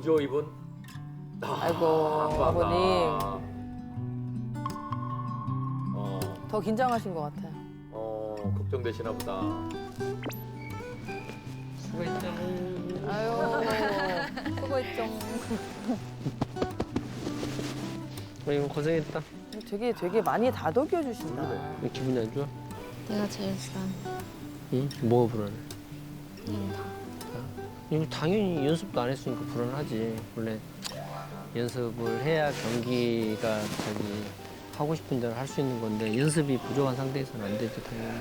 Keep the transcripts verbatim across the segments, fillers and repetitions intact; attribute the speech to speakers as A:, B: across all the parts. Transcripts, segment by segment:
A: 구조 이분. 아,
B: 아이고,
A: 아빠가.
B: 아버님.
A: 어,
B: 더 긴장하신 것 같아요.
A: 어, 걱정되시나 보다.
C: 수고했다.
B: 아유, 수고했죠.
C: 이거 고생했다.
B: 되게 되게 많이 다독여 주신다.
C: 왜 기분이 안 좋아?
D: 내가 제일 불안해.
C: 응? 뭐가 불안해?
D: 그냥 다.
C: 이거 당연히 연습도 안 했으니까 불안하지. 원래 연습을 해야 경기가 자기 하고 싶은 대로 할 수 있는 건데 연습이 부족한 상태에서는 안 되죠, 당연히.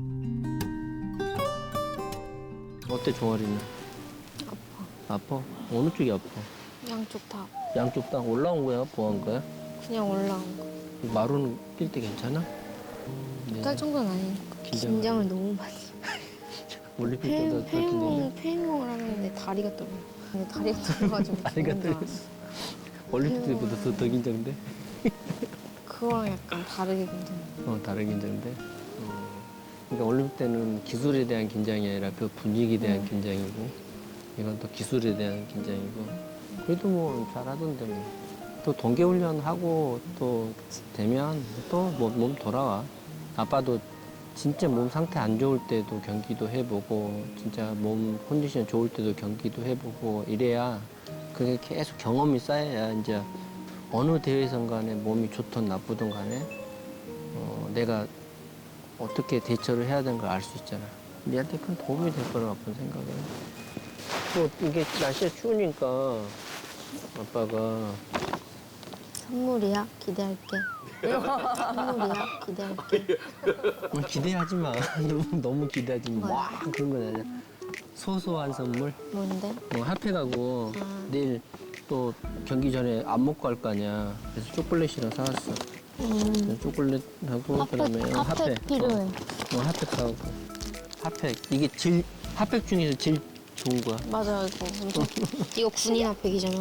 C: 어때, 종아리는?
D: 아파.
C: 아파? 어느 쪽이 아파?
D: 양쪽 다.
C: 양쪽 다 올라온 거야? 보한 거야?
D: 그냥 올라온 거.
C: 마루는 뛸 때 괜찮아? 네.
D: 딸 정도는 아니니까.
C: 긴장.
D: 긴장을 너무 많이.
C: 올림픽
D: 페,
C: 때도
D: 페인공, 페인공을 하는데 다리가 떨려. 근데 다리가 떨려가지고.
C: 다리가
D: 너무
C: 떨려.
D: 좋았어.
C: 올림픽 때보다 더, 더 긴장돼?
D: 그거랑 약간 다르게 긴장.
C: 어, 다른 긴장돼? 어. 그러니까 올림픽 때는 기술에 대한 긴장이 아니라 그 분위기에 대한
D: 음.
C: 긴장이고 이건 또 기술에 대한 긴장이고 그래도 뭐 잘하던데 뭐. 또 동계훈련 하고 또 되면 또 몸 돌아와. 아빠도 진짜 몸 상태 안 좋을 때도 경기도 해보고 진짜 몸 컨디션 좋을 때도 경기도 해보고 이래야 그게 계속 경험이 쌓여야 이제 어느 대회선 간에 몸이 좋든 나쁘든 간에 어, 내가 어떻게 대처를 해야 되는 걸 알 수 있잖아. 니한테 큰 도움이 될 거라고 아픈 생각은. 또 이게 날씨가 추우니까 아빠가
D: 선물이야? 기대할게. 선물이야? 기대할게.
C: 어, 기대하지 마. 너무, 너무 기대하지 마. 와, 그런 건 아니야. 소소한 선물.
D: 뭔데?
C: 뭐 핫팩 가고
D: 아.
C: 내일 또 경기 전에 안 먹고 갈 거 아니야. 그래서 초콜릿이랑 사왔어.
D: 음.
C: 초콜릿하고 그다음에
D: 핫팩,
C: 핫팩.
D: 핫팩 필요해.
C: 어, 어, 핫팩 사오고. 핫팩. 이게 제일 핫팩 중에서 제일 좋은 거야.
D: 맞아, 이거. 엄청. 이거 군인 핫팩이잖아.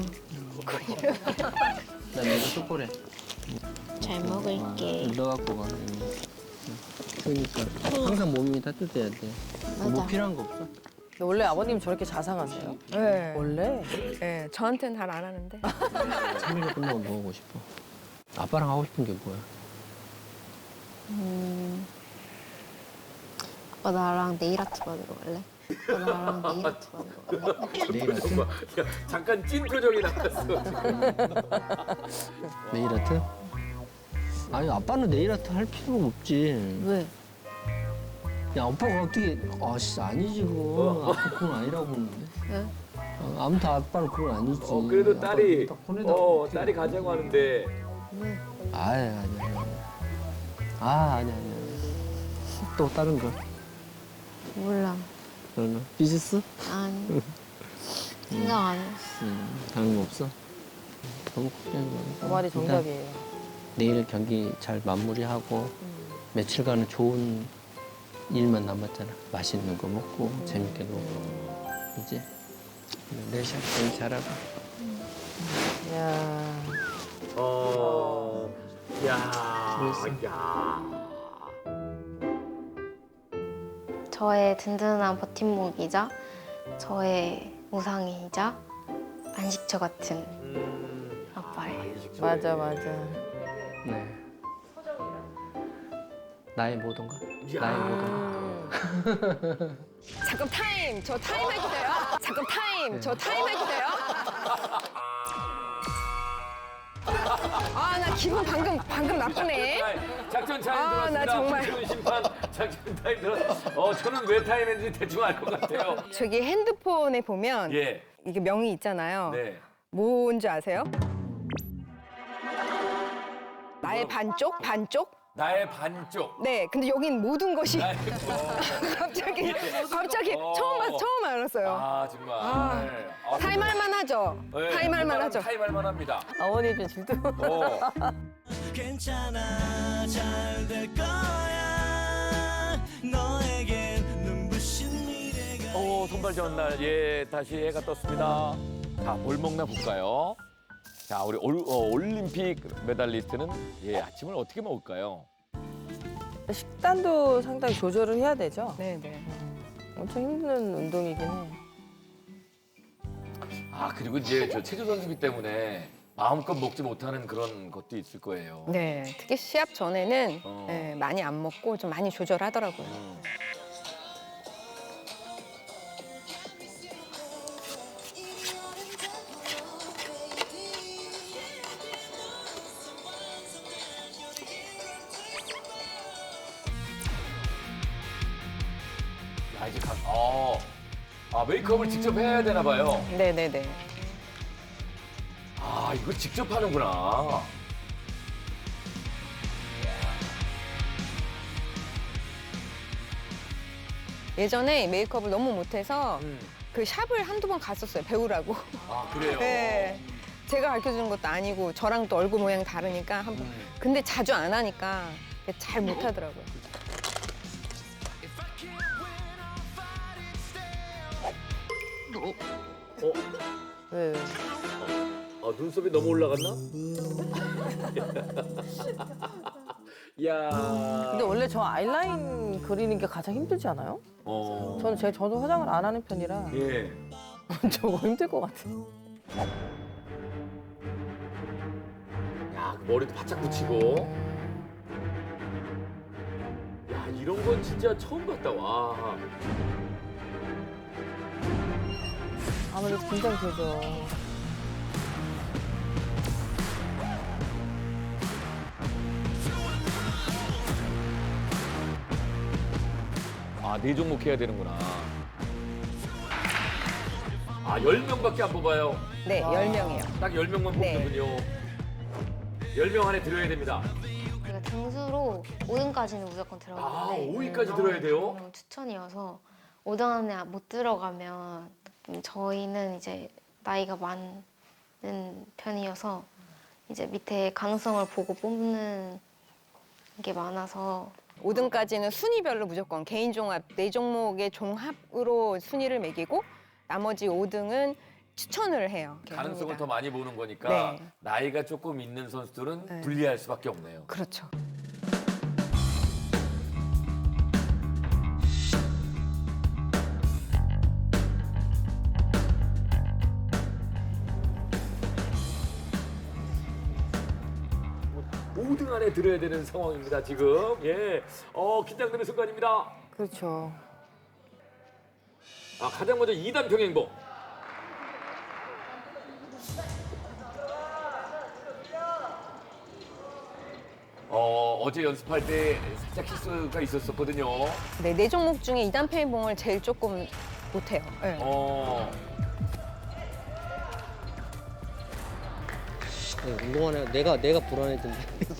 C: 그다음에 이거 초콜릿.
D: 잘 먹을게.
C: 어, 넣어갖고 가. 응. 그러니까 항상 몸이 따뜻해야 돼. 뭐
D: 맞아.
C: 필요한 거 없어?
B: 근데 원래 아버님 저렇게 자상하세요?
E: 네.
B: 원래?
E: 네, 저한테는 잘 안 하는데.
C: 삼 일에 끝나고 뭐 하고 싶어? 아빠랑 하고 싶은 게 뭐야?
D: 음. 아빠 나랑 네일 아트 받으러 갈래? 아빠 나랑 네일 아트 받으러 갈래?
C: 네일 아트?
A: 야, 잠깐 찐 표정이 나왔어.
C: 네일 아트? 아니 아빠는 네일 아트 할 필요가 없지.
D: 왜?
C: 야 아빠가 어떻게? 아씨 아니지 그거. 아빠 그건 아니라고 보는데.
D: 왜?
C: 아, 아무튼 아빠는 그건 아니지.
A: 어, 그래도
C: 아빠
A: 딸이,
C: 딱 보내다
A: 어,
C: 어떻게-
A: 딸이 가자고 하는데.
C: 아니 아니 아니. 아 아니 아니 아니. 또 다른 거?
D: 몰라.
C: 그러면 비즈니스?
D: 아니. 생각 안 했어.
C: 음, 다른 거 없어? 너무 걱정하지 마.
B: 그 말이 정답이에요.
C: 내일 경기 잘 마무리하고 며칠간은 좋은 일만 남았잖아. 맛있는 거 먹고 재밌게 놀고 이제 내일 시합 경기 잘하고.
B: 이야.
A: 어, 야,
C: 그랬어.
A: 야.
D: 저의 든든한 버팀목이자 저의 우상이자 안식처 같은
A: 음,
D: 아빠예요.
B: 맞아, 맞아.
C: 네. 나의 모든가?
A: 야.
C: 나의 모든가?
E: 잠깐 타임. 저 타임 해도 돼요? 잠깐 타임. 저 타임 해도 돼요? 아, 나 기분 방금 방금 나쁘네.
A: 작전 타임
E: 아,
A: 들었습니다.
E: 나 정말.
A: 김지훈 심판 작전 타임 들었어. 어, 저는 왜 타임 했는지 대충 알 것 같아요.
E: 저기 핸드폰에 보면
A: 예.
E: 이게 명이 있잖아요.
A: 네.
E: 뭔지 아세요? 나의
A: 뭐?
E: 반쪽? 반쪽?
A: 나의 반쪽.
E: 네, 근데 여긴 모든 것이
A: 나의 어.
E: 갑자기 갑자기
A: 어.
E: 처음 알- 처음 알았어요.
A: 아, 정말.
E: 아.
A: 네. 아,
E: 타임할 만하죠.
A: 네,
E: 타임할
A: 웬만하면
E: 만하죠.
A: 타임할 만합니다.
B: 어머니 좀 질투.
A: 어.
F: 괜찮아 잘 될 거야 너에겐 눈부신 미래가
A: 오, 선발 전날 예 다시 해가 떴습니다. 자, 뭘 먹나 볼까요? 자, 우리 올, 어, 올림픽 메달리스트는 예 아침을 어떻게 먹을까요?
B: 식단도 상당히 조절을 해야 되죠.
E: 네, 네.
B: 엄청 힘든 운동이긴 해.
A: 아 그리고 이제 저 체조 선수기 때문에 마음껏 먹지 못하는 그런 것도 있을 거예요.
E: 네, 특히 시합 전에는
A: 어.
E: 예, 많이 안 먹고 좀 많이 조절하더라고요.
A: 음. 야 이제 가. 어. 아 메이크업을 직접 해야 되나 봐요.
E: 네, 네, 네.
A: 아 이거 직접 하는구나.
E: 예전에 메이크업을 너무 못해서
A: 음.
E: 그 샵을 한두 번 갔었어요, 배우라고.
A: 아 그래요.
E: 네. 제가 가르쳐주는 것도 아니고 저랑 또 얼굴 모양 다르니까 한 번.
A: 음.
E: 근데 자주 안 하니까 잘 못하더라고요.
A: 어?
B: 왜?
A: 아, 눈썹이 너무 올라갔나? 야.
B: 근데 원래 저 아이라인 그리는 게 가장 힘들지 않아요?
A: 어.
B: 저는 제 저도 화장을 안 하는 편이라
A: 예.
B: 저거 힘들 것 같아요.
A: 야, 그 머리도 바짝 붙이고. 야, 이런 건 진짜 처음 봤다. 와.
B: 아무래도 긴장되죠.
A: 아, 네 종목 해야 되는구나. 아, 열 명밖에 안 뽑아요.
E: 네, 열 명이에요.
A: 딱 열 명만
E: 네.
A: 뽑는군요. 열 명 안에 들어야 됩니다.
D: 우리가 등수로 오 등까지는 무조건
A: 아,
D: 들어가는데
A: 오 위까지 들어야 돼요?
D: 명 추천이어서 오 등 안에 못 들어가면 음, 저희는 이제 나이가 많은 편이어서 이제 밑에 가능성을 보고 뽑는 게 많아서
E: 오 등까지는 순위별로 무조건 개인 종합, 네 종목의 종합으로 순위를 매기고 나머지 오 등은 추천을 해요. 이렇게
A: 가능성을
E: 합니다.
A: 더 많이 보는 거니까
E: 네.
A: 나이가 조금 있는 선수들은
E: 네.
A: 불리할 수밖에 없네요.
E: 그렇죠.
A: 오 등 안에 들어야 되는 상황입니다, 지금. 예. 어, 긴장되는 순간입니다.
B: 그렇죠.
A: 아, 가장 먼저 이 단 평행봉. 어, 어제 연습할 때 살짝 실수가 있었었거든요.
E: 네, 네 종목 중에 이 단 페이봉을 제일 조금 못해요. 네.
A: 어,
C: 네, 운동하네. 내가 내가 불안해진다.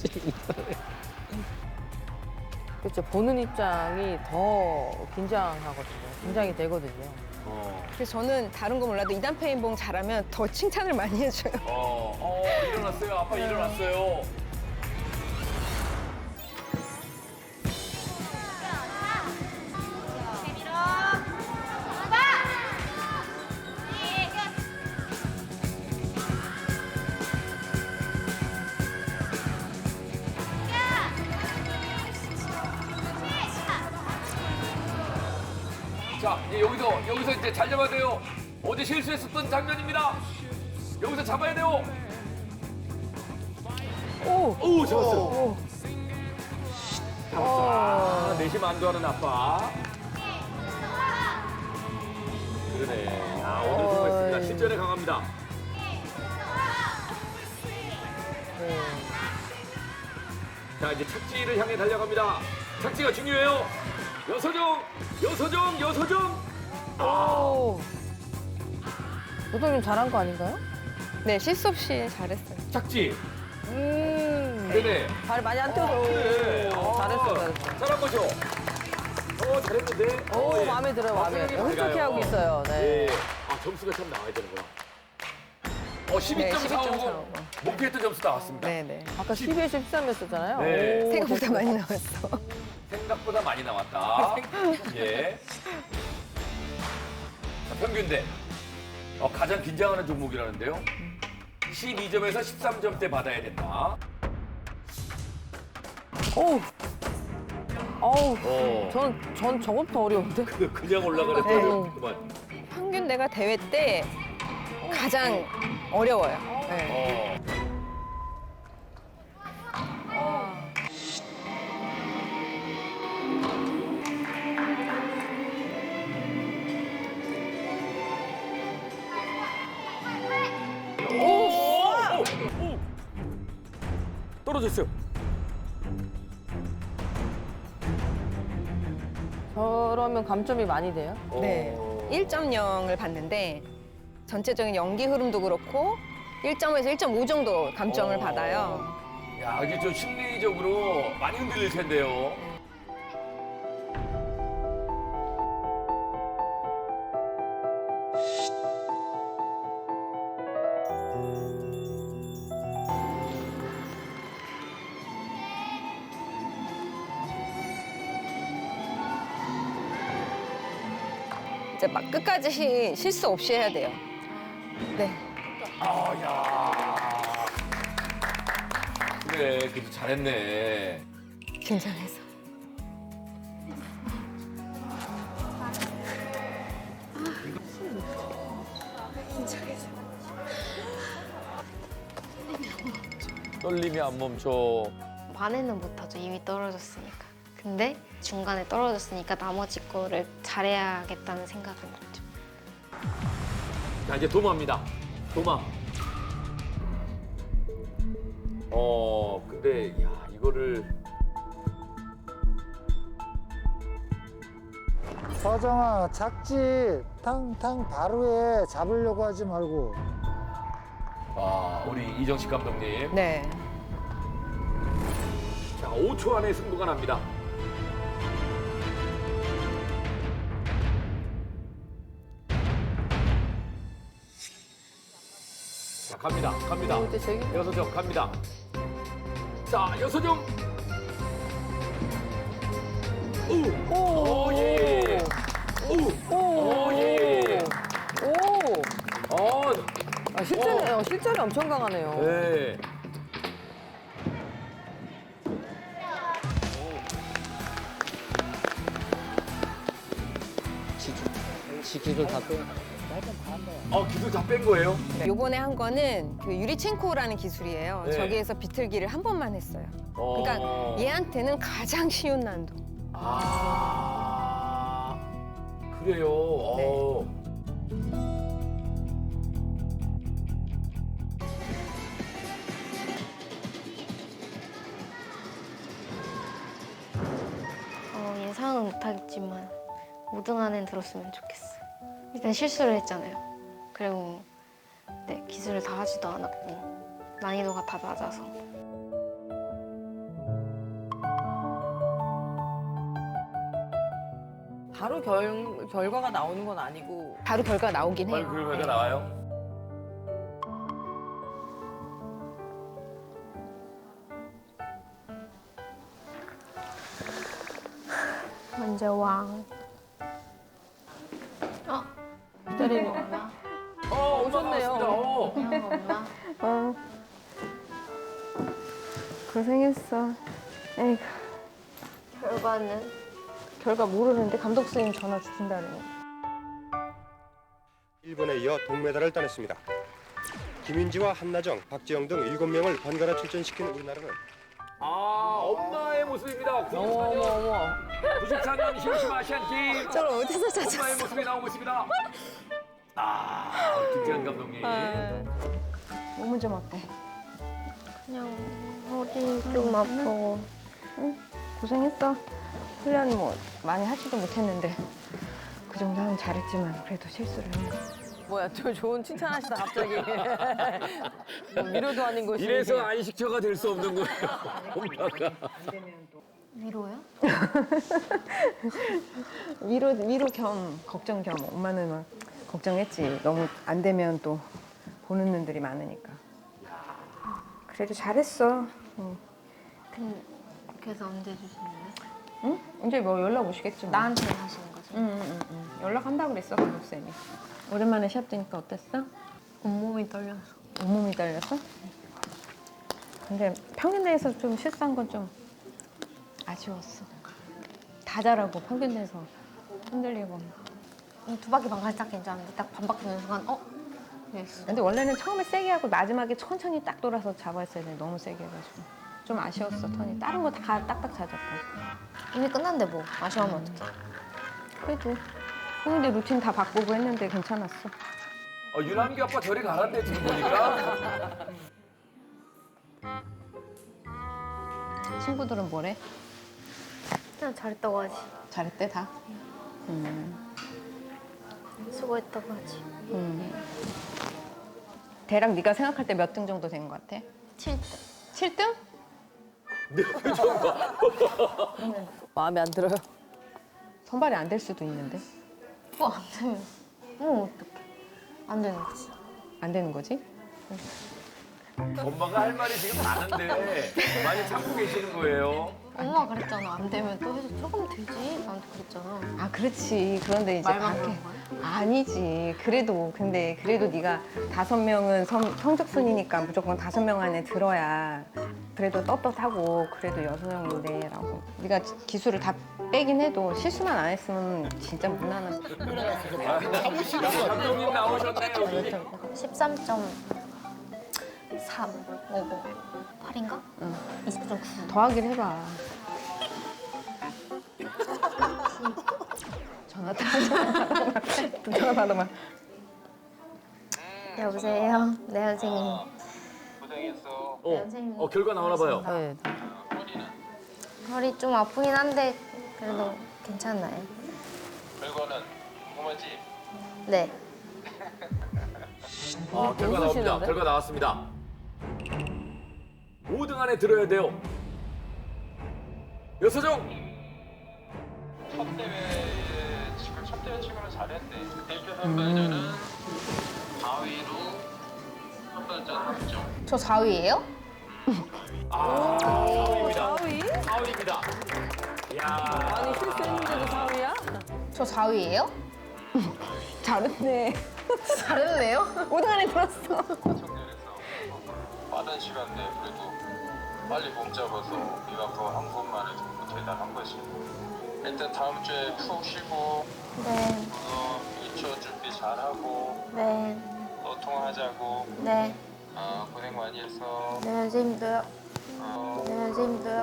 B: 그렇죠. 보는 입장이 더 긴장하거든요. 긴장이 되거든요.
A: 어,
E: 그래서 저는 다른 거 몰라도 이 단 페이봉 잘하면 더 칭찬을 많이 해줘요.
A: 어, 어, 일어났어요. 아빠 일어났어요. 자, 이제 여기서, 여기서 이제 잘 잡아야 돼요. 어제 실수했었던 장면입니다. 여기서 잡아야 돼요.
B: 오!
A: 오, 잡았어요.
B: 오!
A: 잡았어. 아, 내심 안도하는 아빠. 그러네. 아, 오늘 수고했습니다.
B: 어이.
A: 실전에 강합니다.
B: 네.
A: 자, 이제 착지를 향해 달려갑니다. 착지가 중요해요. 여서정, 여서정, 여서정.
B: 오! 노동님 잘한 거 아닌가요?
E: 네, 실수 없이 잘했어요.
A: 착지.
B: 음.
A: 네네.
B: 발 많이 안 뛰어서.
A: 그래.
B: 오, 잘했어,
A: 어,
B: 잘했어.
A: 잘한 거죠? 어, 잘했는데.
B: 오,
A: 어, 예.
B: 마음에 들어요,
A: 아,
B: 마음에.
A: 생각이
B: 흡족해
A: 밝아요.
B: 하고 있어요. 네.
A: 예. 아, 점수가 참 나와야 되는구나. 어, 십이 점
E: 네, 십이 점
A: 사오고
E: 사오고.
A: 목표했던 점수 나왔습니다.
E: 네, 네.
B: 아까 십이에 십삼 했었잖아요.
A: 네.
B: 오,
E: 생각보다
B: 됐어.
E: 많이 나왔어.
A: 생각보다 많이 나왔다. 예. 자, 평균대. 어, 가장 긴장하는 종목이라는데요. 십이 점에서 십삼 점대 받아야 된다.
B: 어우. 어우.
A: 어.
B: 전, 전 저것부터 어려운데?
A: 그- 그냥 올라가는
B: 네.
A: 거 그만.
E: 평균 내가 대회 때 가장 어려워요. 네.
A: 어. 오! 오! 오! 떨어졌어요.
B: 저러면 감점이 많이 돼요?
E: 네. 일 점 영을 받는데 전체적인 연기 흐름도 그렇고 일 점에서 일 점 오 정도 감점을
A: 어.
E: 받아요.
A: 야, 이게 좀 심리적으로 많이 흔들릴 텐데요.
E: 이제 막 끝까지 시- 실수 없이 해야 돼요. 네.
A: 아, 야. 그래, 그래도 잘했네.
E: 긴장해서.
A: 떨림이 안 멈춰.
D: 반에는 못하죠. 이미 떨어졌으니까. 근데 중간에 떨어졌으니까 나머지 거를 잘해야겠다는 생각은 들죠.
A: 자, 이제 도마입니다. 도마. 어, 근데, 야, 이거를.
G: 서정아, 착지 탕탕 바로에 잡으려고 하지 말고.
A: 아, 우리 이정식 감독님.
E: 네.
A: 자, 오 초 안에 승부가 납니다. 자, 갑니다. 갑니다.
B: 이때 제기
A: 여서정 갑니다. 자, 여서정. 오! 오, 예, 예. 오! 오, 예, 예.
B: 오!
A: 어,
B: 아, 실전이, 어, 실전이 엄청 강하네요.
A: 네.
C: 지기, 지기를 다 빼.
A: 어, 기술 다 뺀 거예요?
E: 요번에 한 거는 그 유리첸코라는 기술이에요.
A: 네.
E: 저기에서 비틀기를 한 번만 했어요.
A: 어.
E: 그러니까 얘한테는 가장 쉬운 난도.
A: 아, 그래요. 어.
D: 어, 예상은 못하겠지만 오 등 안에 들었으면 좋겠어요. 일단 실수를 했잖아요. 그리고 네, 기술을 다 하지도 않았고 난이도가 다 낮아서.
B: 바로 결, 결과가 나오는 건 아니고.
E: 바로 결과 나오긴
A: 빨리
E: 해요.
A: 결과가 나와요?
D: 먼저 왕. 어?
B: 기다리는
D: 엄마?
A: 어,
B: 오셨네요.
A: 엄마 나왔습니다. 어.
D: 그냥 엄마?
E: 어. 고생했어. 에이구.
D: 결과는?
E: 결과 모르는데 감독 선생님 전화 주신다네요.
H: 일본에 이어 동메달을 따냈습니다. 김윤지와 한나정, 박지영 등 일곱 명을 번갈아 출전시킨 우리나라는
A: 아, 엄마의 모습입니다.
B: 어머, 어머, 어머.
A: 구십사 년 히로시마 아시안 게임.
E: 저를 어디서 찾았어?
A: 엄마의 모습이 나오고 있습니다. 아, 김태현 감독님.
E: 몸은 좀 어때?
D: 그냥 허리 좀 아프고.
E: 고생했어. 훈련 뭐 많이 하지도 못했는데 그 정도 하면 잘했지만 그래도 실수를 했네.
B: 뭐야, 저 좋은 칭찬하시다, 갑자기. 뭐 위로도 아닌 것이.
A: 이래서 안식처가 될 수 없는 거예요. 엄마가.
D: 위로요?
E: 위로 위로 겸 걱정 겸 엄마는 막 걱정했지. 너무 안 되면 또 보는 눈들이 많으니까. 그래도 잘했어. 응.
D: 근데 그래서 언제 주시는데?
E: 응? 이제 뭐 연락 오시겠지 뭐.
D: 나한테 하시는 거죠?
E: 응, 응, 응, 응. 연락한다 그랬어 감독 쌤이. 오랜만에 시합 뛰니까 어땠어?
D: 온몸이 떨려서.
E: 온몸이 떨렸어? 근데 평균 내에서 좀 실수한 건 좀 아쉬웠어. 다 잘하고 평균 내에서 흔들리고.
D: 두 바퀴 반 갈짝 괜찮은데 딱 반 바퀴 도는 순간 어? 그랬어.
E: 근데 원래는 처음에 세게 하고 마지막에 천천히 딱 돌아서 잡았어야 돼. 너무 세게 해가지고 좀 아쉬웠어 턴이. 다른 거 다 딱딱 잘 잡고.
D: 이미 끝났는데 뭐 아쉬워하면 어떡해.
E: 그래도 근데 루틴 다 바꾸고 했는데 괜찮았어.
A: 어, 유남기 아빠 저리 가란데 지금 보니까.
E: 친구들은 뭐래?
D: 그냥 잘했다고 하지.
E: 잘했대 다?
D: 수고했다고 하지.
E: 음. 대략 네가 생각할 때 몇 등 정도 된 것 같아?
D: 칠 등.
E: 칠 등?
B: 마음에 안 들어요.
E: 선발이 안 될 수도 있는데.
D: 뭐 안 되면. 뭐 어떡해. 안 되는 거지.
E: 안 되는 거지?
A: 엄마가 할 말이 지금 많은데 많이 참고 계시는 거예요.
D: 엄마가 그랬잖아. 안 되면 또 해서 조금 되지. 나한테 그랬잖아.
E: 아 그렇지. 그런데 이제
D: 말만
E: 밖에
D: 그런 거야?
E: 아니지. 그래도 근데 그래도 네가 다섯 명은 성, 성적 순이니까 무조건 다섯 명 안에 들어야 그래도 떳떳하고 그래도 여섯 명인데라고. 네가 기술을 다 빼긴 해도 실수만 안 했으면 진짜 무난한.
A: 감독님 나오셨네요. 여기.
D: 십삼 점 삼 오고 팔인가?
E: 응.
D: 이십 점 구.
E: 더하기를 해봐. 전화 다 전화 받아봐.
D: 여보세요. 네 선생님.
A: 어,
D: 선생님.
A: 어 결과 나오나 봐요.
B: 네.
D: 허리 좀 아프긴 한데 그래도 괜찮아요.
I: 결과는 궁금하지?
D: 네.
A: 아, 결과 나옵니다. 결과 나왔습니다. 오 등 안에 들어야 돼요. 여서정.
I: 첫 대회 지금 첫 대회 치고는 잘했네. 대표 선발전은 사 위로 선발전 합정.
D: 저 사 위예요?
A: 아, 사 위입니다.
B: 사 위?
A: 사 위입니다. 이야.
B: 아니 실수했는데도 사 위야?
D: 저 사 위예요?
E: 잘했네.
D: 잘했네요.
E: 오 등 안에 들었어.
I: 청년에서 빠른 시간 내에 그래도 빨리 몸 잡아서 이만큼 한 번만에 정말 대단한 거지. 일단 다음 주에 푹 쉬고
D: 네.
I: 어, 이 차 준비 잘하고
D: 네.
I: 또 통화하자고.
D: 네.
I: 어, 고생 많이 했어.
D: 네 선생님도요.
I: 어,
D: 네 선생님도요.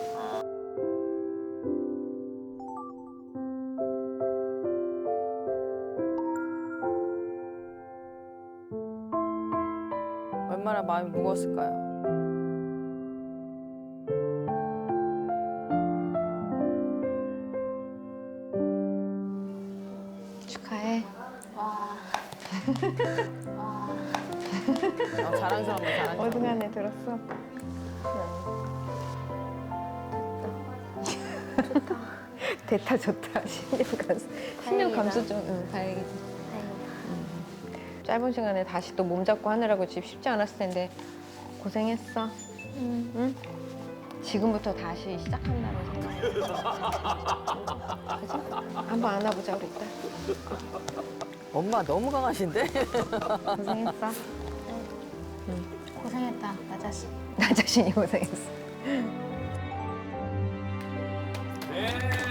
B: 얼마나 마음이 무거웠을까요?
E: 축하해.
B: 아, 자랑스럽네, 자랑스러워.
E: 오 등 안에 들었어. 좋다. 됐다 좋다. 신념 감수. 신념 감수 좀 응, 다행이지.
D: 다행이다.
E: 짧은 시간에 다시 또 몸 잡고 하느라고 집 쉽지 않았을 텐데 고생했어.
D: 음.
E: 응? 지금부터 다시 시작한다는 생각이 그지? 한번 안아보자 우리 딸.
B: 엄마 너무 강하신데?
E: 고생했어.
D: 고생했다, 나 자신.
E: 나 자신이 고생했어.
A: 네.